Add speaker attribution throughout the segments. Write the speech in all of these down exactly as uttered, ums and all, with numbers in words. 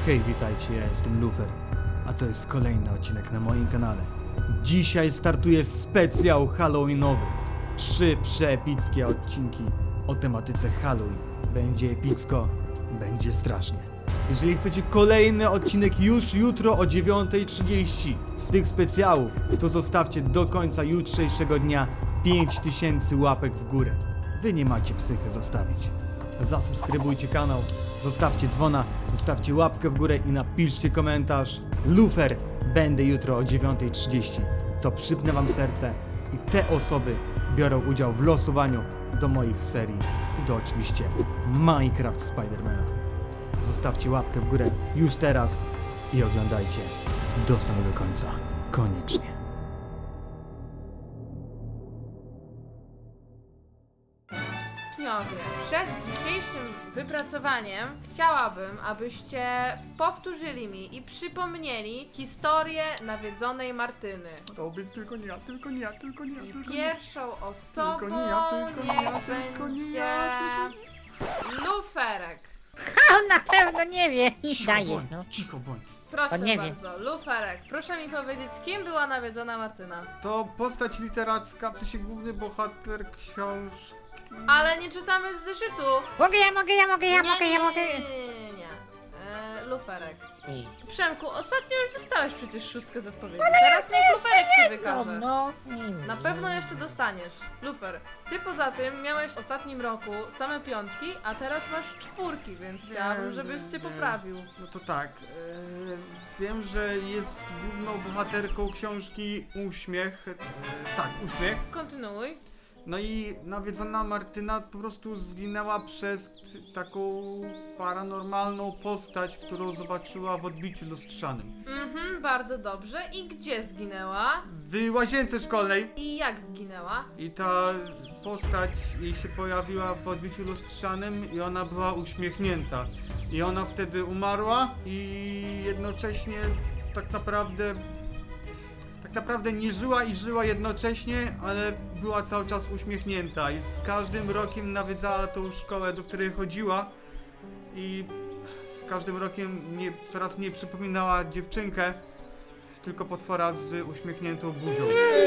Speaker 1: Hej, witajcie, ja jestem Lufer, a to jest kolejny odcinek na moim kanale. Dzisiaj startuje specjał halloweenowy. Trzy przeepickie odcinki o tematyce Halloween. Będzie epicko, będzie strasznie. Jeżeli chcecie kolejny odcinek już jutro o dziewiątej trzydzieści z tych specjałów, to zostawcie do końca jutrzejszego dnia pięć tysięcy łapek w górę. Wy nie macie psychy zostawić. Zasubskrybujcie kanał, zostawcie dzwona, zostawcie łapkę w górę i napiszcie komentarz. Lufer, będę jutro o dziewiątej trzydzieści. To przypnę wam serce i te osoby biorą udział w losowaniu do moich serii i do oczywiście Minecraft Spidermana. Zostawcie łapkę w górę już teraz i oglądajcie do samego końca. Koniecznie.
Speaker 2: Uczniowie, przed dzisiejszym wypracowaniem chciałabym, abyście powtórzyli mi i przypomnieli historię nawiedzonej Martyny.
Speaker 3: Dobry, tylko nie ja, tylko nie ja, tylko nie ja,
Speaker 2: I
Speaker 3: tylko nie ja.
Speaker 2: pierwszą osobą
Speaker 3: Tylko nie ja, tylko nie
Speaker 2: niech
Speaker 3: ja, tylko nie
Speaker 2: będzie
Speaker 3: ja,
Speaker 2: Luferek.
Speaker 4: On na pewno nie wie.
Speaker 3: Cicho
Speaker 4: Dajesz,
Speaker 3: bądź,
Speaker 4: no.
Speaker 3: cicho bądź.
Speaker 2: Proszę
Speaker 4: On nie wie.
Speaker 2: bardzo, Luferek, proszę mi powiedzieć, kim była nawiedzona Martyna?
Speaker 3: To postać literacka, w sensie główny bohater książki.
Speaker 2: Ale nie czytamy z zeszytu.
Speaker 4: Mogę, ja mogę, ja mogę, ja
Speaker 2: nie,
Speaker 4: mogę, ja
Speaker 2: nie,
Speaker 4: mogę.
Speaker 2: nie, nie, nie. E, Luferek.
Speaker 4: Ej,
Speaker 2: Przemku, ostatnio już dostałeś przecież szóstkę z odpowiedzi.
Speaker 4: Ale
Speaker 2: Teraz
Speaker 4: ja
Speaker 2: niech
Speaker 4: to
Speaker 2: Luferek się
Speaker 4: No,
Speaker 2: wykaże.
Speaker 4: no, nie
Speaker 2: Na pewno jeszcze dostaniesz. Lufer, ty poza tym miałeś w ostatnim roku same piątki, a teraz masz czwórki, więc chciałabym, żebyś się
Speaker 3: nie.
Speaker 2: poprawił.
Speaker 3: No to tak, e, wiem, że jest główną bohaterką książki Uśmiech. E, tak, Uśmiech.
Speaker 2: Kontynuuj.
Speaker 3: No i nawiedzona Martyna po prostu zginęła przez t- taką paranormalną postać, którą zobaczyła w odbiciu lustrzanym.
Speaker 2: Mhm, bardzo dobrze. I gdzie zginęła?
Speaker 3: W łazience szkolnej.
Speaker 2: I jak zginęła?
Speaker 3: I ta postać jej się pojawiła w odbiciu lustrzanym i ona była uśmiechnięta. I ona wtedy umarła i jednocześnie tak naprawdę tak naprawdę nie żyła i żyła jednocześnie, ale była cały czas uśmiechnięta i z każdym rokiem nawiedzała tą szkołę, do której chodziła i z każdym rokiem mnie coraz mniej przypominała dziewczynkę, tylko potwora z uśmiechniętą buzią.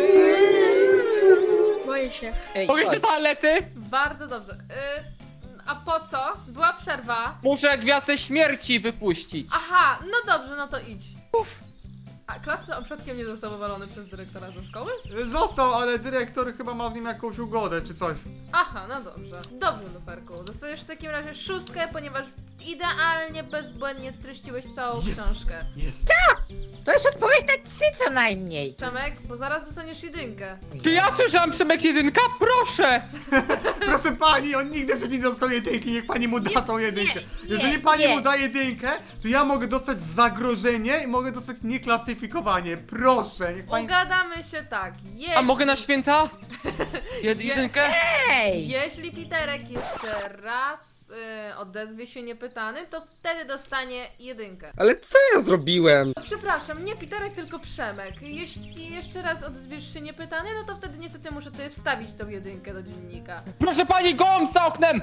Speaker 5: Boję się.
Speaker 4: Ej,
Speaker 6: Mogę się
Speaker 4: chodź.
Speaker 6: do toalety?
Speaker 2: Bardzo dobrze. Y, a po co? Była przerwa.
Speaker 6: Muszę gwiazdę śmierci wypuścić.
Speaker 2: Aha, no dobrze, no to idź. A klasy przypadkiem nie został wywalony przez dyrektora ze szkoły?
Speaker 3: Został, ale dyrektor chyba ma z nim jakąś ugodę czy coś.
Speaker 2: Aha, no dobrze. Dobrze, Luferku. Dostajesz w takim razie szóstkę, ponieważ idealnie, bezbłędnie streściłeś całą
Speaker 3: Jest.
Speaker 2: książkę.
Speaker 3: Jest.
Speaker 4: To jest odpowiedź na trzy co najmniej.
Speaker 2: Przemek, bo zaraz dostaniesz jedynkę.
Speaker 6: Czy ja słyszałam Przemek jedynka? Proszę!
Speaker 3: Proszę pani, on nigdy jeszcze nie dostał jedynki, niech pani mu da
Speaker 4: Nie,
Speaker 3: tą jedynkę.
Speaker 4: nie,
Speaker 3: Jeżeli
Speaker 4: nie,
Speaker 3: pani
Speaker 4: nie.
Speaker 3: mu da jedynkę, to ja mogę dostać zagrożenie i mogę dostać nieklasyfikowanie. Proszę, niech pani...
Speaker 2: Ugadamy się tak. Jeśli,
Speaker 6: A mogę na święta? Jed jedynkę?
Speaker 4: Ej!
Speaker 2: Jeśli Piterek jeszcze raz y, odezwie się niepytany, to wtedy dostanie jedynkę.
Speaker 7: Ale co ja zrobiłem?
Speaker 2: Przepraszam, nie Piterek, tylko Przemek. Jeśli jeszcze raz odezwiesz się niepytany, no to wtedy niestety muszę tutaj wstawić tą jedynkę do dziennika.
Speaker 6: Proszę pani, gołąb za oknem!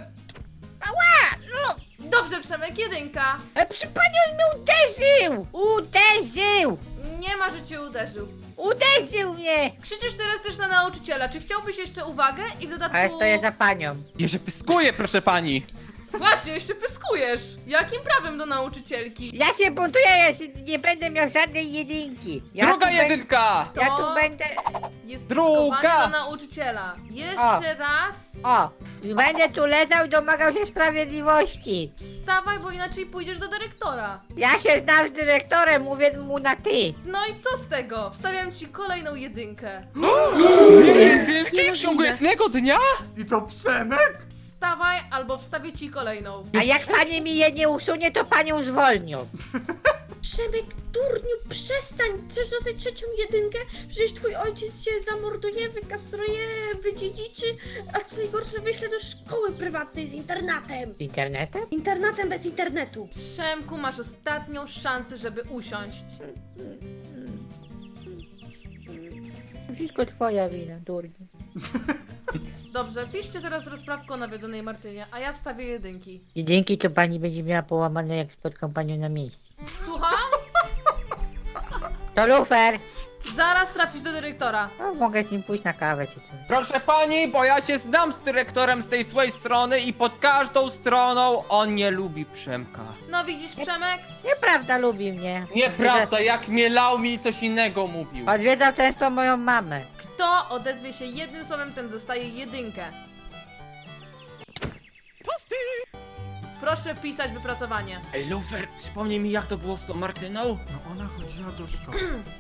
Speaker 2: Dobrze, Przemek, jedynka.
Speaker 4: Ale przy pani on mnie uderzył! Uderzył!
Speaker 2: Nie ma, że cię uderzył.
Speaker 4: Uderzył mnie!
Speaker 2: Krzyczysz teraz też na nauczyciela. Czy chciałbyś jeszcze uwagę i w dodatku...
Speaker 4: Ale stoję za panią.
Speaker 6: Jeże pyskuje, proszę pani.
Speaker 2: Właśnie, jeszcze pyskujesz. Jakim prawem do nauczycielki?
Speaker 4: Ja się buntuję, ja się nie będę miał żadnej jedynki. Ja
Speaker 6: Druga
Speaker 4: tu bę-
Speaker 6: jedynka!
Speaker 4: Ja
Speaker 2: To-
Speaker 4: tu będę...
Speaker 2: Jest
Speaker 6: Druga.
Speaker 2: pyskowanie do nauczyciela. Jeszcze raz
Speaker 4: O! Będę tu lezał i domagał się sprawiedliwości.
Speaker 2: wstawaj, bo inaczej pójdziesz do dyrektora.
Speaker 4: Ja się znam z dyrektorem, mówię mu na ty.
Speaker 2: No i co z tego? Wstawiam ci kolejną jedynkę.
Speaker 6: Dwie jedynki w ciągu jednego dnia?
Speaker 3: I to Przemek?
Speaker 2: Wstawaj, albo wstawię ci kolejną.
Speaker 4: A jak pani mi je nie usunie, to panią zwolnią.
Speaker 5: Przemek, durniu, przestań! Chcesz dostać trzecią jedynkę? Przecież twój ojciec cię zamorduje, wykastruje, wydziedziczy, a co najgorsze wyśle do szkoły prywatnej z internatem.
Speaker 4: Internetem?
Speaker 5: Internatem bez internetu.
Speaker 2: Przemku, masz ostatnią szansę, żeby usiąść.
Speaker 4: Wszystko twoja wina, durniu.
Speaker 2: Dobrze, piszcie teraz rozprawkę o nawiedzonej Martynie, a ja wstawię jedynki.
Speaker 4: I dzięki to pani będzie miała połamane, jak spotkam panią na miejscu. To lufer.
Speaker 2: Zaraz trafisz do dyrektora.
Speaker 4: No, mogę z nim pójść na kawę czy coś.
Speaker 6: Proszę pani, bo ja się znam z dyrektorem z tej swojej strony i pod każdą stroną on nie lubi Przemka.
Speaker 2: No widzisz, Przemek?
Speaker 4: Nieprawda, lubi mnie.
Speaker 6: Nieprawda, jak mnie lał mi coś innego mówił.
Speaker 4: Odwiedzał często moją mamę.
Speaker 2: Kto odezwie się jednym słowem, ten dostaje jedynkę. Proszę pisać wypracowanie.
Speaker 6: Ej, Lufer, przypomnij mi jak to było z tą Martyną?
Speaker 3: No ona chodziła do szkoły.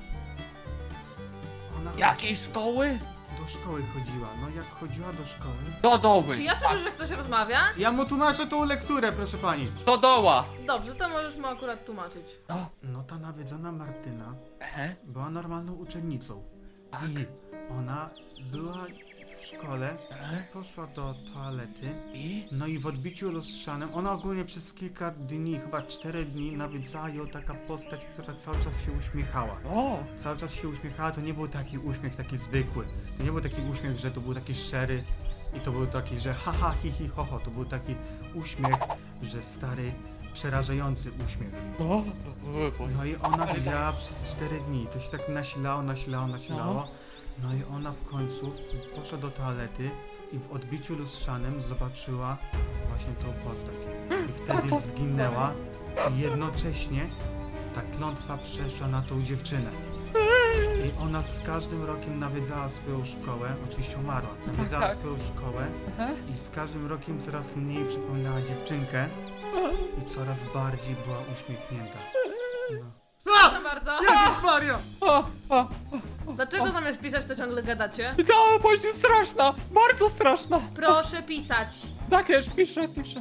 Speaker 3: Ona
Speaker 6: Jakiej szkoły?
Speaker 3: do szkoły chodziła. No jak chodziła do szkoły...
Speaker 6: Do doły.
Speaker 2: Czy ja słyszę, że ktoś rozmawia?
Speaker 3: Ja mu tłumaczę tą lekturę, proszę pani.
Speaker 6: Do doła.
Speaker 2: Dobrze, to możesz mu akurat tłumaczyć.
Speaker 6: No.
Speaker 3: No ta nawiedzona Martyna
Speaker 6: Ehe.
Speaker 3: była normalną uczennicą. I ona była w szkole,
Speaker 6: Ehe.
Speaker 3: poszła do toalety.
Speaker 6: I?
Speaker 3: No i w odbiciu lustrzanym, ona ogólnie przez kilka dni, chyba cztery dni, nawiedzała ją taka postać, która cały czas się uśmiechała.
Speaker 6: O.
Speaker 3: Cały czas się uśmiechała, to nie był taki uśmiech taki zwykły. To nie był taki uśmiech, że to był taki szczery i to był taki, że haha, hi, hi, ho, ho. To był taki uśmiech, że stary, przerażający uśmiech.
Speaker 6: O.
Speaker 3: No i ona wygrała przez cztery dni. To się tak nasilało, nasilało, nasilało. No i ona w końcu poszła do toalety i w odbiciu lustrzanym zobaczyła właśnie tą postać. I wtedy zginęła i jednocześnie ta klątwa przeszła na tą dziewczynę. I ona z każdym rokiem nawiedzała swoją szkołę, oczywiście umarła, nawiedzała
Speaker 6: tak.
Speaker 3: swoją szkołę i z każdym rokiem coraz mniej przypominała dziewczynkę i coraz bardziej była uśmiechnięta. No.
Speaker 2: Proszę bardzo.
Speaker 3: Jezus Maria!
Speaker 6: O, o.
Speaker 2: Dlaczego zamiast pisać to ciągle gadacie?
Speaker 6: Ta opowieść jest straszna, bardzo straszna.
Speaker 2: Proszę pisać.
Speaker 6: Tak, już piszę, piszę.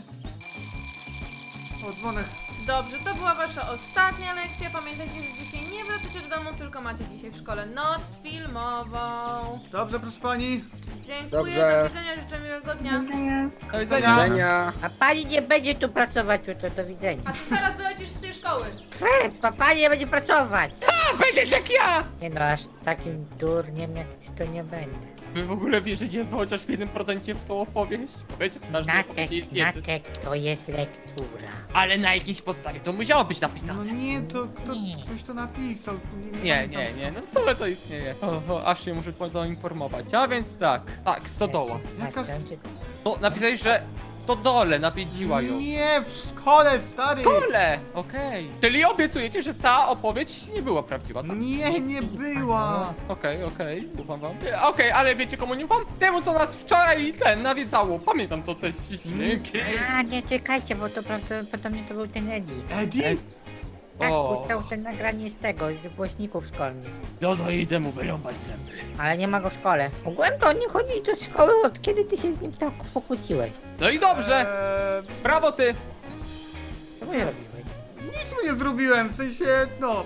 Speaker 3: O, dzwonek.
Speaker 2: Dobrze, to była wasza ostatnia lekcja. Pamiętajcie, że dzisiaj nie wracacie do domu, tylko macie dzisiaj w szkole noc filmową.
Speaker 3: Dobrze, proszę pani.
Speaker 2: Dziękuję,
Speaker 7: Dobrze.
Speaker 2: do widzenia, życzę miłego dnia.
Speaker 6: Do
Speaker 3: widzenia.
Speaker 6: widzenia.
Speaker 7: Widzenia.
Speaker 4: A pani nie będzie tu pracować jutro, do widzenia.
Speaker 2: A ty zaraz wylecisz z tej szkoły.
Speaker 4: Fe, pa, pani nie będzie pracować.
Speaker 6: A, będziesz jak ja!
Speaker 4: Nie no, aż takim durniem jak ty to nie będę.
Speaker 6: Wy w ogóle wierzycie chociaż w jednym procencie w tą opowieść? Wiecie, w każdej
Speaker 4: Natek,
Speaker 6: opowieści jest jeden.
Speaker 4: natek, to jest lektura.
Speaker 6: Ale na jakiejś podstawie to musiało być
Speaker 3: No
Speaker 6: napisane.
Speaker 3: nie, to kto,
Speaker 4: Nie.
Speaker 3: ktoś to napisał.
Speaker 6: Nie, nie, nie, no stole to istnieje. O, o, aż się muszę poinformować. A więc tak, tak, stodoła.
Speaker 3: Jaka
Speaker 4: Natek, czy-
Speaker 6: No, napisałeś, że stodole nawiedziła ją.
Speaker 3: Nie, w szkole, stary!
Speaker 6: Stodole! Okej. Czyli obiecujecie, że ta opowieść nie była prawdziwa, tak?
Speaker 3: Nie, nie była.
Speaker 6: Okej, okej, ufam wam. E, Okej, ale wiecie komu nie ufam? Temu, co nas wczoraj ten nawiedzało. Pamiętam to te dźwięki.
Speaker 4: A, nie, czekajcie, bo to prawdopodobnie to był ten Eddie.
Speaker 3: Eddie?
Speaker 4: Tak,
Speaker 6: O.
Speaker 4: puszczał ten nagranie z tego, z głośników szkolnych.
Speaker 6: No to idę mu wyrąbać zęby.
Speaker 4: Ale nie ma go w szkole. Ogółem to on nie chodzi do szkoły, od kiedy ty się z nim tak pokłóciłeś.
Speaker 6: No i dobrze.
Speaker 3: Eee,
Speaker 6: Brawo ty.
Speaker 4: Co mu zrobiłeś?
Speaker 3: nic mu nie zrobiłem, w sensie, no,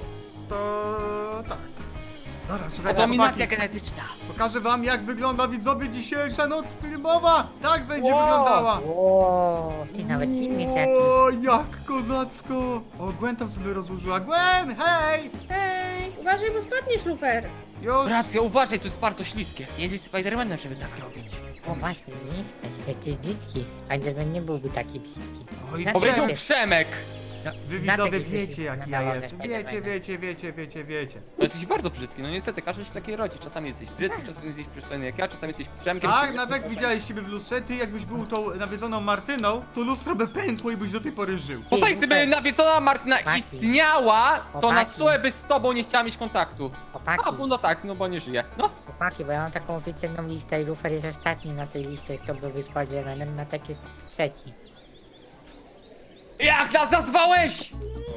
Speaker 3: to tak. Dobra, słuchajcie,
Speaker 6: Dominacja
Speaker 3: chłopaki,
Speaker 6: genetyczna.
Speaker 3: pokażę wam, jak wygląda, widzowie, dzisiejsza noc filmowa. Tak będzie
Speaker 6: Wow.
Speaker 3: wyglądała.
Speaker 4: O, ty nawet film jest jakiś.
Speaker 3: O, jak kozacko. O, Gwen tam sobie rozłożyła. Gwen, hej!
Speaker 5: Ej, uważaj, bo spadniesz, lufer.
Speaker 3: Już.
Speaker 6: Racja, uważaj, to jest bardzo śliskie. Nie jesteś Spidermanem, żeby tak robić.
Speaker 4: O, właśnie, nie jesteś. Jesteś brzydki. Spiderman nie byłby taki brzydki.
Speaker 3: Oj,
Speaker 4: Na
Speaker 6: Powiedział
Speaker 4: Cześć.
Speaker 6: Przemek.
Speaker 4: No,
Speaker 3: Wy
Speaker 4: na
Speaker 3: widzowie
Speaker 4: taki
Speaker 3: wiecie,
Speaker 4: wyszedł
Speaker 3: jaki
Speaker 4: na
Speaker 3: ja
Speaker 4: dole
Speaker 3: jestem.
Speaker 4: Spidermana.
Speaker 3: Wiecie, wiecie, wiecie, wiecie, wiecie.
Speaker 6: To jesteś bardzo brzydki, no niestety, każdy się takiej rodzi. Czasami jesteś brzydki, czasami jesteś przystojny jak ja, czasami jesteś Przemkiem.
Speaker 3: Tak, na tak widziałeś siebie w lustrze. Ty jakbyś był tą nawiedzoną Martyną, to lustro by pękło i byś do tej pory żył.
Speaker 6: Poza tym, gdyby nawiedzona Martyna
Speaker 4: Chłopaki.
Speaker 6: istniała, to na
Speaker 4: Chłopaki.
Speaker 6: stole by z tobą nie chciała mieć kontaktu.
Speaker 4: Chłopaki,
Speaker 6: A, bo no tak, no bo nie żyje. No.
Speaker 4: chłopaki, bo ja mam taką oficjalną listę i Lufer jest ostatni na tej liście, kto byłby Spidermanem, na tak jest trzeci.
Speaker 6: Jak nas nazwałeś?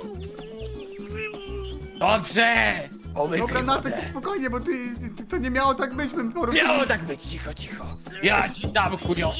Speaker 6: Dobrze! Omykaj
Speaker 3: Dobra, na
Speaker 6: wodę.
Speaker 3: tak spokojnie, bo ty, ty, to nie miało tak być, bym po prostu...
Speaker 6: Miało tak być, cicho, cicho. Ja ci dam kurio.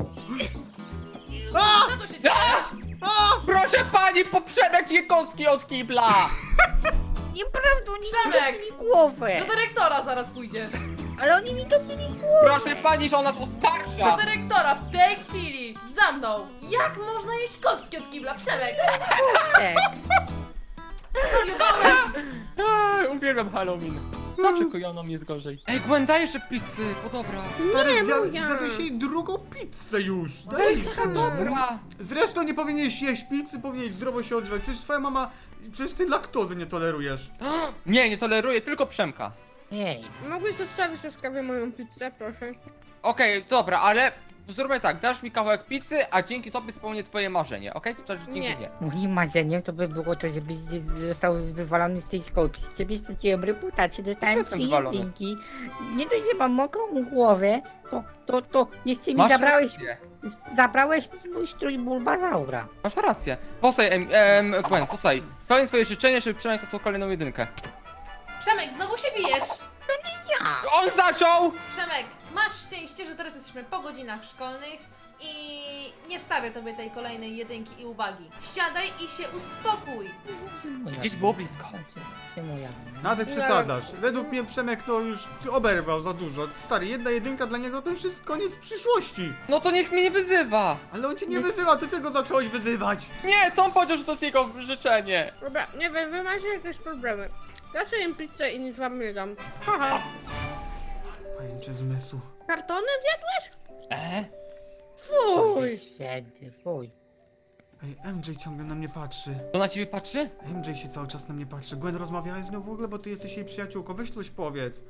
Speaker 3: A!
Speaker 2: Co tu się dzieje?
Speaker 3: A!
Speaker 6: Proszę pani, poprzemek Jekowski od kibla.
Speaker 4: Nieprawda, oni
Speaker 2: Przemek!
Speaker 4: mi głowę.
Speaker 2: Do dyrektora zaraz pójdziesz.
Speaker 4: Ale oni mi dobili głowę.
Speaker 6: Proszę pani, że ona jest ostarsza.
Speaker 2: Do dyrektora w tej chwili! Za mną! Jak można jeść kostki od kibla? Przemek!
Speaker 4: Tak.
Speaker 2: Zwariowałeś!
Speaker 6: Aj, uwielbiam Halloween. Zawsze kojoną jest gorzej. Ej, Gwen, daj jeszcze pizzy, bo dobra.
Speaker 3: Stary,
Speaker 5: Nie,
Speaker 3: zjadł-
Speaker 5: moja.
Speaker 3: zjadłeś jej drugą pizzę już.
Speaker 6: Ale
Speaker 3: Daj
Speaker 6: jest taka dobra.
Speaker 3: Zresztą nie powinieneś jeść pizzy, powinieneś zdrowo się odżywać. Przecież twoja mama, przecież ty laktozy nie tolerujesz.
Speaker 6: Nie, nie toleruję, tylko Przemka.
Speaker 4: Nie,
Speaker 5: Mogłeś zostawić łaskawie moją pizzę, proszę?
Speaker 6: Okej, dobra, ale zróbmy tak, dasz mi kawałek pizzy, a dzięki tobie spełnię twoje marzenie, okej? To dzięki
Speaker 5: Nie.
Speaker 6: mnie.
Speaker 4: moim marzeniem to by było to, żebyś został wywalony z tej szkoły. Przez ciebie straciłem reputację, dostałem
Speaker 6: jestem
Speaker 4: trzy
Speaker 6: wywalony.
Speaker 4: jedynki. Nie dość, że mam mokrą głowę, to, to, to jeszcze mi
Speaker 6: Masz
Speaker 4: zabrałeś,
Speaker 6: rację.
Speaker 4: zabrałeś mi mój strój Bulbazaura.
Speaker 6: Masz rację. Posłuchaj, em, em, Gwen, posłuchaj. Spełnię twoje życzenie, żeby Przemek dostał kolejną jedynkę.
Speaker 2: Przemek, znowu się bijesz!
Speaker 4: Ja!
Speaker 6: On zaczął!
Speaker 2: Przemek, masz szczęście, że teraz jesteśmy po godzinach szkolnych i nie wstawię tobie tej kolejnej jedynki i uwagi. Siadaj i się uspokój!
Speaker 6: Gdzieś było blisko.
Speaker 4: Przyjmuję.
Speaker 3: Na ty przesadzasz. Według mnie Przemek no już oberwał za dużo. Stary, jedna jedynka dla niego to już jest koniec przyszłości.
Speaker 6: No to niech mnie nie wyzywa.
Speaker 3: Ale on cię nie wyzywa, ty tego zacząłeś wyzywać.
Speaker 6: Nie, Tom powiedział, że to jest jego życzenie.
Speaker 5: Dobra, nie wiem, wy macie jakieś problemy. Ja sobie jem pizzę i nic wam nie dam. Haha.
Speaker 3: Pajęcze zmysł.
Speaker 5: Kartonem zjadłeś?
Speaker 6: E?
Speaker 5: Fuj!
Speaker 4: Święty, fuj.
Speaker 3: Ej, M J ciągle na mnie patrzy.
Speaker 6: To na ciebie patrzy?
Speaker 3: M J się cały czas na mnie patrzy. Gwen, rozmawiałeś z nią w ogóle, bo ty jesteś jej przyjaciółką. Weź coś powiedz.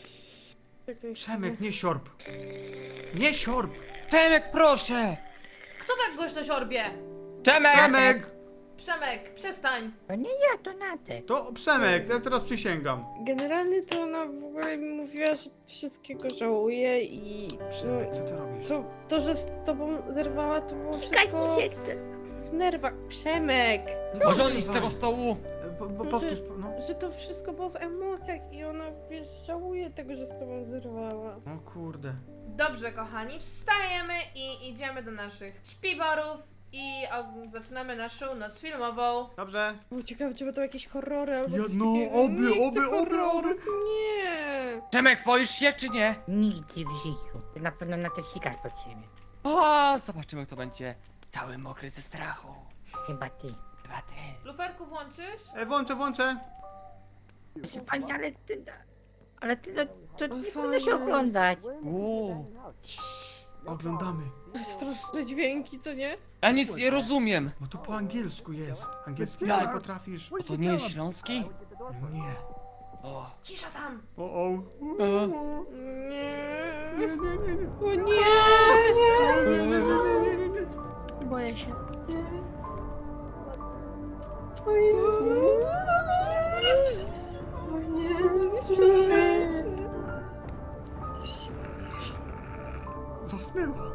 Speaker 3: Przemek, nie siorb. Nie siorb!
Speaker 6: Przemek, proszę!
Speaker 2: Kto tak głośno siorbie?
Speaker 6: Przemek!
Speaker 3: Przemek!
Speaker 2: Przemek, przestań!
Speaker 4: To nie ja, to Natek.
Speaker 3: To Przemek, ja teraz przysięgam.
Speaker 5: Generalnie to ona w ogóle mi mówiła, że wszystkiego żałuje i...
Speaker 3: Przemek, co ty robisz?
Speaker 5: To, to, że z tobą zerwała, to było
Speaker 4: Kać
Speaker 5: wszystko
Speaker 4: mi się chce.
Speaker 5: w nerwach. Przemek!
Speaker 6: Może on iść z tego stołu?
Speaker 3: E, Bo, bo powtórz, no.
Speaker 5: Że to wszystko było w emocjach i ona, wiesz, żałuje tego, że z tobą zerwała.
Speaker 3: O kurde.
Speaker 2: Dobrze, kochani, wstajemy i idziemy do naszych śpiworów i o, zaczynamy naszą noc filmową.
Speaker 3: Dobrze.
Speaker 5: Było ciekawe, czy będą jakieś horrory albo
Speaker 3: Ja-
Speaker 5: coś
Speaker 3: no,
Speaker 5: takiego.
Speaker 3: oby,
Speaker 5: Nie chcę
Speaker 3: oby, oby,
Speaker 5: horrorów,
Speaker 3: oby.
Speaker 5: Nie!
Speaker 6: Przemek, boisz się czy nie?
Speaker 4: Nigdy w życiu. Ty na pewno Natek sikać pod siebie.
Speaker 6: O, zobaczymy, kto będzie cały mokry ze strachu.
Speaker 4: Chyba ty.
Speaker 6: Chyba ty.
Speaker 2: Luferku, włączysz?
Speaker 3: E, włączę, włączę.
Speaker 4: Proszę pani, ale ty... Ale ty, to, to nie
Speaker 5: Oj,
Speaker 4: powinno się
Speaker 5: fajnie.
Speaker 4: oglądać.
Speaker 6: Uuu.
Speaker 3: Oglądamy.
Speaker 5: Straszne dźwięki, co nie?
Speaker 6: Ja nic nie rozumiem.
Speaker 3: Bo to po angielsku jest. Angielski
Speaker 6: Ja-
Speaker 3: nie potrafisz.
Speaker 6: A to nie jest śląski?
Speaker 3: Nie.
Speaker 6: O.
Speaker 2: Cisza tam!
Speaker 3: O, o.
Speaker 6: E.
Speaker 5: Nie.
Speaker 3: Nie, nie, nie, nie.
Speaker 5: O nie!
Speaker 3: Nie, nie, nie, nie, nie, nie.
Speaker 5: Boję się. O nie, nie śpiewajcie.
Speaker 3: Zasnęła.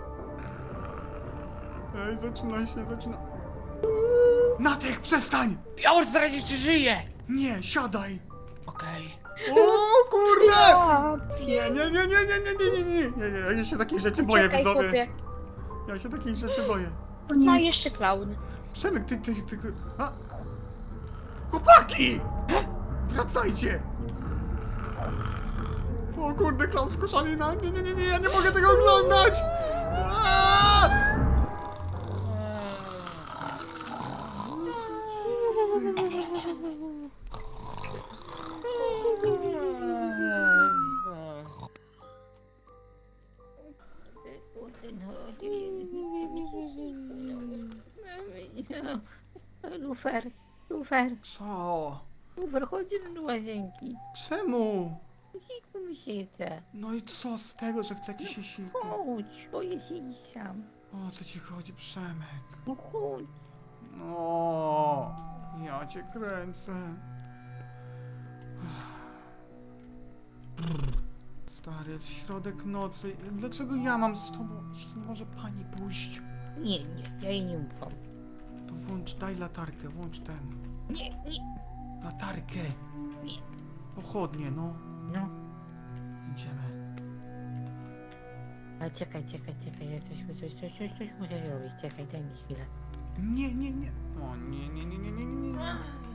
Speaker 3: Ej, zaczyna się, zaczyna. Natek, przestań!
Speaker 6: Ja muszę sprawdzić, czy żyje.
Speaker 3: Nie, siadaj!
Speaker 6: Okej.
Speaker 3: O kurde! Nie, nie, nie, nie, nie, nie, nie, nie, nie, nie, nie, ja się takich rzeczy boję,
Speaker 7: Czekaj,
Speaker 3: widzowie.
Speaker 7: chłopie.
Speaker 3: Ja się takich rzeczy boję.
Speaker 7: No i jeszcze klaun.
Speaker 3: Przemek, ty, ty, ty, ty... A? Chłopaki! Wracajcie! O kurde, klaun z koszalina. Nie, nie, nie, nie, ja nie mogę tego oglądać! Aaaa!
Speaker 4: Lufer, Lufer,
Speaker 3: Co?
Speaker 4: Lufer, chodź do łazienki.
Speaker 3: Czemu?
Speaker 4: Siku mi się chce.
Speaker 3: No i co z tego, że chcecie się siku?
Speaker 4: Chodź, boję się iść sam.
Speaker 3: O co ci chodzi, Przemek?
Speaker 4: No chodź.
Speaker 3: No, ja cię kręcę. Stary, jest środek nocy. Dlaczego ja mam z tobą iść? Nie może pani pójść?
Speaker 4: Nie, nie, ja jej nie ufam.
Speaker 3: To włącz, daj latarkę, włącz ten.
Speaker 4: Nie, nie,
Speaker 3: Latarkę.
Speaker 4: Nie.
Speaker 3: Pochodnie, no.
Speaker 4: no.
Speaker 3: Idziemy.
Speaker 4: Ale czekaj, czekaj, czekaj, ja coś, coś, coś, coś, coś muszę zrobić. Czekaj, daj mi chwilę.
Speaker 3: Nie, nie, nie. O nie, nie, nie, nie, nie, nie, nie.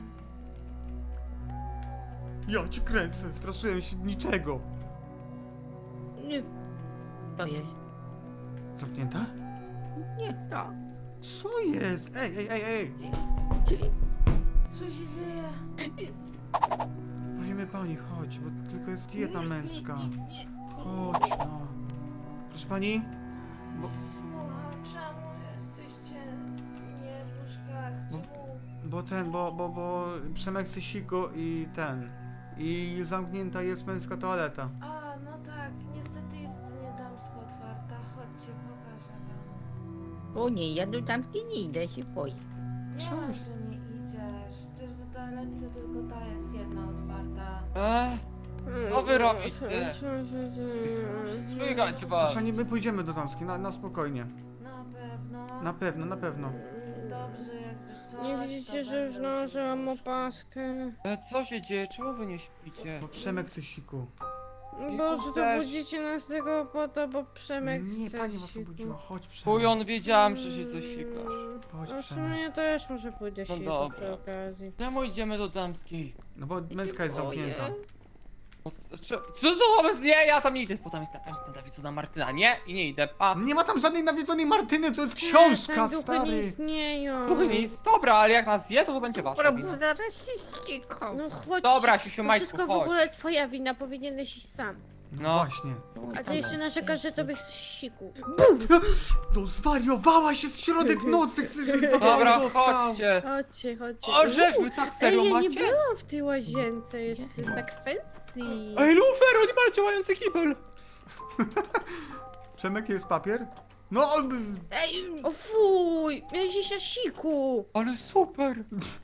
Speaker 3: Ja cię kręcę, straszyłem się niczego.
Speaker 4: Nie. To jest.
Speaker 3: Zamknięta?
Speaker 4: Nie, to.
Speaker 3: Co jest? Ej, ej, ej, ej.
Speaker 4: Czyli
Speaker 2: Co się dzieje?
Speaker 3: W imię Weźmiemy pani, chodź, bo tylko jest jedna męska. Chodź, no. Proszę pani? Bo,
Speaker 2: Słucham, czemu jesteście nie w łóżkach?
Speaker 3: Bo-
Speaker 2: Czemu?
Speaker 3: bo ten, bo, bo, bo Przemek chce siku i ten. I zamknięta jest męska toaleta.
Speaker 2: A, no tak, niestety jest nie damsko otwarta. Chodźcie, pokażę wam.
Speaker 4: O nie, ja do tamtej nie idę, się boję.
Speaker 2: Nie
Speaker 4: Co?
Speaker 2: ma, że nie idziesz. Chcesz do toalety, to tylko ta jest jedna otwarta.
Speaker 6: Eee, co wy robicie? Słychać was.
Speaker 3: Proszę pani, my pójdziemy do damskiej, na, na spokojnie.
Speaker 2: Na pewno.
Speaker 3: Na pewno, na pewno.
Speaker 2: Dobrze, jakby coś.
Speaker 5: Nie
Speaker 2: to
Speaker 5: widzicie, że już
Speaker 2: będę
Speaker 5: nałożyłam
Speaker 2: uciekać.
Speaker 5: opaskę?
Speaker 6: E, co się dzieje? Czemu wy nie śpicie?
Speaker 3: Bo Przemek chce siku.
Speaker 5: Boże, to
Speaker 6: też.
Speaker 5: budzicie nas tego po to, bo Przemek
Speaker 3: Nie,
Speaker 5: chce
Speaker 3: pani was
Speaker 5: siku.
Speaker 3: obudziła, chodź Przemek.
Speaker 6: Kujon, wiedziałam, że się coś sikasz.
Speaker 3: Chodź
Speaker 5: A w
Speaker 3: Przemek.
Speaker 5: sumie ja też może pójdę
Speaker 6: No
Speaker 5: siku
Speaker 6: dobra.
Speaker 5: przy okazji.
Speaker 6: Czemu idziemy do damskiej?
Speaker 3: No bo męska jest zamknięta.
Speaker 6: O, co, co co to wobec nie? Ja tam nie idę, bo tam jest ta ta Dawidsona Martyna. Nie? I nie idę. A,
Speaker 3: Nie ma tam żadnej nawiedzonej Martyny, to jest
Speaker 5: Przestań,
Speaker 3: książka,
Speaker 5: duchy nie
Speaker 3: stary.
Speaker 5: istnieją.
Speaker 6: Duchy nic. Dobra, ale jak nas zje, to to będzie wasza
Speaker 4: Dobra,
Speaker 6: wina.
Speaker 4: bo zaraz się ścigą.
Speaker 5: No chodź.
Speaker 6: Dobra, Siusiu,
Speaker 5: To
Speaker 6: Majtku,
Speaker 5: wszystko w
Speaker 6: chodź.
Speaker 5: ogóle twoja wina, powinieneś iść sam.
Speaker 3: No
Speaker 6: No.
Speaker 3: właśnie.
Speaker 5: A ty jeszcze narzekasz, że tobie chce siku.
Speaker 3: No zwariowałaś, jest środek nocy, chcesz, żeby za
Speaker 6: Dobra,
Speaker 3: mało dostał.
Speaker 6: chodźcie.
Speaker 5: Chodźcie, chodźcie.
Speaker 6: O, żeż wy tak
Speaker 5: Ej,
Speaker 6: serio
Speaker 5: ja nie
Speaker 6: macie?
Speaker 5: byłam w tej łazience jeszcze, to jest tak fancy.
Speaker 6: Ej, Lufer, oni mają działający kibel.
Speaker 3: Przemek, jest papier? No, on-
Speaker 4: Ej,
Speaker 5: O fuj, miałeś iść na siku.
Speaker 6: Ale super.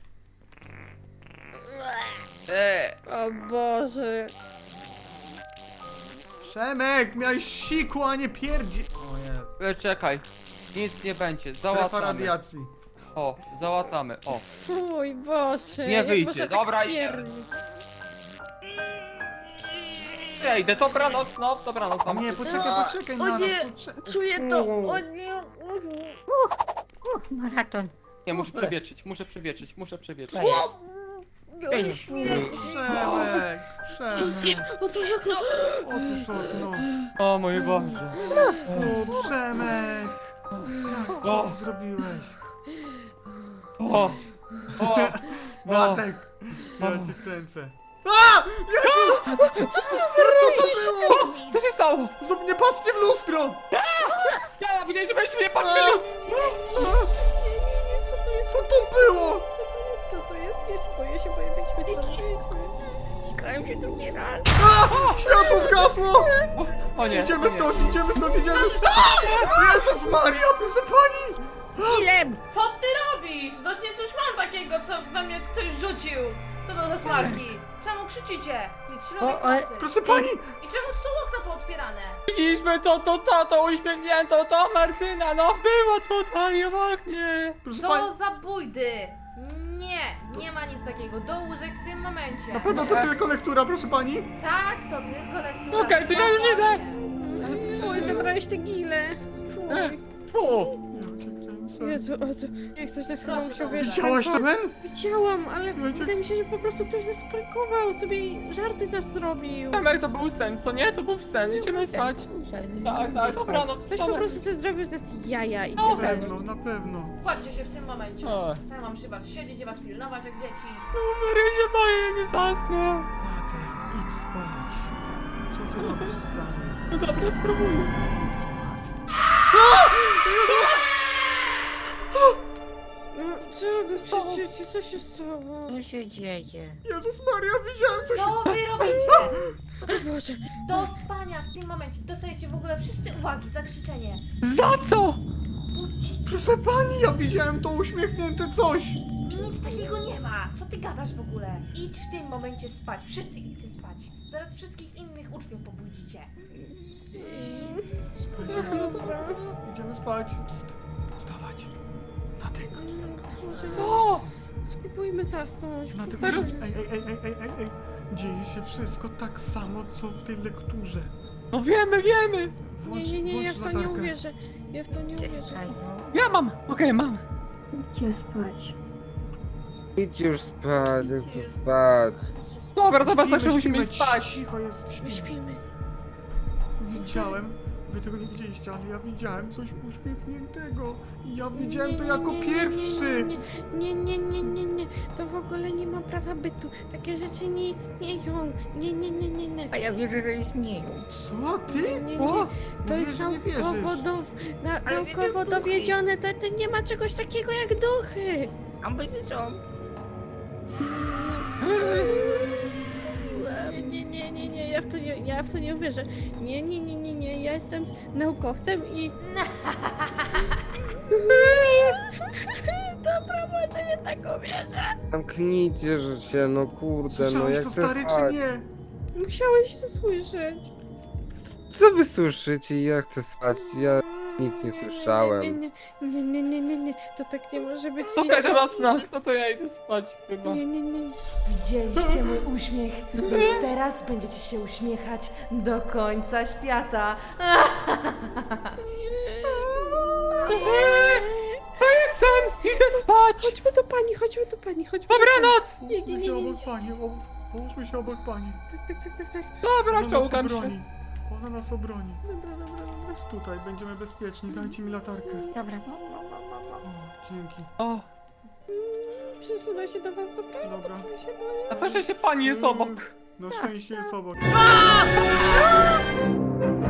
Speaker 6: Eee,
Speaker 5: O Boże.
Speaker 3: Przemek, miałeś siku, a nie pierdzi... O nie,
Speaker 6: e, czekaj. Nic nie będzie,
Speaker 3: strefa
Speaker 6: załatamy.
Speaker 3: radiacji.
Speaker 6: O, załatamy, o.
Speaker 5: Fuj, Boże.
Speaker 6: Nie
Speaker 5: jak
Speaker 6: wyjdzie,
Speaker 5: można
Speaker 6: dobra,
Speaker 5: tak
Speaker 6: idziemy.
Speaker 5: pierdzić?
Speaker 6: Ja idę, dobranoc, no, dobranoc wam.
Speaker 3: Nie, poczekaj, poczekaj
Speaker 5: O
Speaker 3: na
Speaker 5: nie,
Speaker 3: nas. poczekaj.
Speaker 5: Czuję to. O nie.
Speaker 4: uch, maraton.
Speaker 6: Nie, muszę przewietrzyć, muszę przewietrzyć, muszę przewietrzyć.
Speaker 4: To jest.
Speaker 3: Przemek, Przemek,
Speaker 5: Otwórz okno.
Speaker 3: otwórz okno.
Speaker 6: O mój Boże.
Speaker 3: O, Przemek. Jak co
Speaker 6: O.
Speaker 3: ty zrobiłeś?
Speaker 6: O, o, o.
Speaker 3: Matek, ja cię kręcę. A! Jezu! Co to było?
Speaker 6: Co się stało?
Speaker 3: Zrób- Nie patrzcie w lustro!
Speaker 6: Ja widziałem, że będziecie mnie patrzyli.
Speaker 5: Co to jest?
Speaker 3: Co to było?
Speaker 5: Co to jest? Co to jest? Jeszcze boję się, boję wyjdźmy stąd.
Speaker 4: Ścigają się drugi raz.
Speaker 3: A! Światło zgasło!
Speaker 6: O nie,
Speaker 3: Idziemy
Speaker 6: o nie.
Speaker 3: stąd, idziemy stąd, idziemy! A! Jezus Maria, proszę pani!
Speaker 4: Ilem!
Speaker 2: Co ty robisz? Właśnie coś mam takiego, co na mnie ktoś rzucił. Co to za smarki? Czemu krzyczycie? Jest środek
Speaker 4: O, o,
Speaker 2: nocy.
Speaker 3: Proszę pani!
Speaker 2: I czemu tu są okna pootwierane?
Speaker 6: Widzieliśmy to, to, to, to uśmiechnięto, to Martyna, no było tutaj w oknie.
Speaker 3: Proszę pani!
Speaker 2: Co za bójdy! Nie, nie ma nic takiego. Do łóżek w tym momencie.
Speaker 3: Na pewno to tylko lektura, proszę pani!
Speaker 2: Tak, to tylko lektura.
Speaker 6: Okej, to ja już idę.
Speaker 2: Spokojnie.
Speaker 5: Fuj, zabrałeś te gile.
Speaker 6: E,
Speaker 5: Fuj.
Speaker 6: fu.
Speaker 5: Jezu, o to, jak ktoś nas chyba
Speaker 2: Proszę
Speaker 5: musiał
Speaker 2: bardzo.
Speaker 5: wiesz,
Speaker 3: Widziałaś to, Ben?
Speaker 5: Widziałam, ale
Speaker 3: Ja cię-
Speaker 5: wydaje mi się, że po prostu ktoś nas prankował, sobie żarty z nas zrobił.
Speaker 6: Tomek, to był sen, co nie? To był sen, idziemy spać. Tak, tak, dobranoc,
Speaker 5: Ktoś po
Speaker 6: Tomek.
Speaker 5: prostu sobie zrobił z nas jaja i
Speaker 6: No,
Speaker 3: Na
Speaker 5: tyle.
Speaker 3: pewno, na pewno.
Speaker 2: Kładźcie się w tym momencie.
Speaker 6: O.
Speaker 2: Co ja mam przy was siedzieć i was pilnować jak dzieci?
Speaker 6: Numer, ja się boję, ja nie zasnę.
Speaker 3: Matek, idź spać. Co ty robisz, stary?
Speaker 6: No dobra, spróbuję.
Speaker 3: Idź spać.
Speaker 5: No, co wy krzyczycie? Co się stało?
Speaker 4: Co się dzieje?
Speaker 3: Jezus Maria, widziałem coś!
Speaker 2: Co wy robicie?
Speaker 5: O Boże.
Speaker 2: Do spania w tym momencie. Dostajecie w ogóle wszyscy uwagi za krzyczenie.
Speaker 6: Za co?
Speaker 3: Proszę pani, ja widziałem to uśmiechnięte coś!
Speaker 2: Nic takiego nie ma. Co ty gadasz w ogóle? Idź w tym momencie spać. Wszyscy idźcie spać. Zaraz wszystkich innych uczniów pobudzicie.
Speaker 3: Słuchajcie,
Speaker 5: Dobra.
Speaker 3: idziemy spać. Psst, wstawać. Natek,
Speaker 5: Boże,
Speaker 6: O!
Speaker 5: spróbujmy zasnąć.
Speaker 3: natek,
Speaker 6: Teraz-
Speaker 3: ej, ej, ej, ej, ej, ej, ej. Dzieje się wszystko tak samo, co w tej lekturze.
Speaker 6: No wiemy, wiemy.
Speaker 3: Włącz,
Speaker 5: Nie, nie, nie, ja w
Speaker 3: włącz
Speaker 5: to nie
Speaker 3: latarkę.
Speaker 5: uwierzę. Ja w to nie uwierzę.
Speaker 4: Czekaj, no.
Speaker 6: Ja mam, okej, mam.
Speaker 7: Idź już spać, ja chcę spać.
Speaker 6: Dobra, dobra,
Speaker 3: Śpimy,
Speaker 6: tak, że musimy
Speaker 3: śpimy,
Speaker 6: iść spać.
Speaker 3: Cicho jest,
Speaker 5: My
Speaker 3: śpimy.
Speaker 5: śpimy.
Speaker 3: Widziałem, Wy tego nie widzieliście, ale ja widziałem coś uśmiechniętego. I ja widziałem to jako pierwszy.
Speaker 5: Nie, nie, nie, nie, nie, to w ogóle nie ma prawa bytu. Takie rzeczy nie istnieją. Nie, nie, nie, nie, nie.
Speaker 4: A ja wierzę, że istnieją.
Speaker 3: Co ty?
Speaker 5: Nie, nie,
Speaker 6: O,
Speaker 5: nie. To
Speaker 3: Mówisz,
Speaker 5: jest
Speaker 3: że nie wierzysz.
Speaker 5: naukowo, do, na,
Speaker 4: Ale
Speaker 5: naukowo
Speaker 4: wiecie, duchy.
Speaker 5: dowiedzione, to, to nie ma czegoś takiego jak duchy.
Speaker 4: A będzie co?
Speaker 5: Nie, nie, nie, nie, nie, ja w to nie, ja w to nie uwierzę. Nie, nie, nie, nie, nie, ja jestem naukowcem i... Dobra, może jednak uwierzę.
Speaker 7: Zamknijcie że się, no kurde, no
Speaker 3: Słyszałeś
Speaker 7: ja
Speaker 3: to,
Speaker 7: chcę
Speaker 3: stary, czy
Speaker 7: spać.
Speaker 3: nie?
Speaker 5: Musiałeś to słyszeć.
Speaker 7: Co wy słyszycie? Ja chcę spać, ja nic nie słyszałem.
Speaker 5: Nie, nie, nie, nie, nie, nie, nie, to tak nie może być.
Speaker 6: Słuchaj teraz znak, no to ja idę spać chyba.
Speaker 5: Nie, nie, nie.
Speaker 2: Widzieliście mój uśmiech, więc teraz będziecie się uśmiechać do końca świata.
Speaker 6: To jest sen, idę spać!
Speaker 5: Chodźmy do pani, chodźmy do pani, chodźmy.
Speaker 6: Dobranoc!
Speaker 5: Nie, nie, nie,
Speaker 3: Połóżmy się
Speaker 5: nie.
Speaker 3: obok pani, o, połóżmy się obok pani.
Speaker 5: Tak, tak, tak, tak, tak.
Speaker 6: Dobra,
Speaker 3: Ona
Speaker 6: czołgam
Speaker 3: nas
Speaker 6: się.
Speaker 3: obroni. Ona nas obroni.
Speaker 5: Dobra, dobra, dobra.
Speaker 3: Tutaj będziemy bezpieczni, dajcie mi latarkę.
Speaker 4: Dobra.
Speaker 3: O, dzięki.
Speaker 6: O,
Speaker 5: Przesunę się do was, dobra?
Speaker 3: Dobra.
Speaker 5: Ja się boję.
Speaker 6: a co, że się pani jest obok?
Speaker 3: Na szczęście jest obok.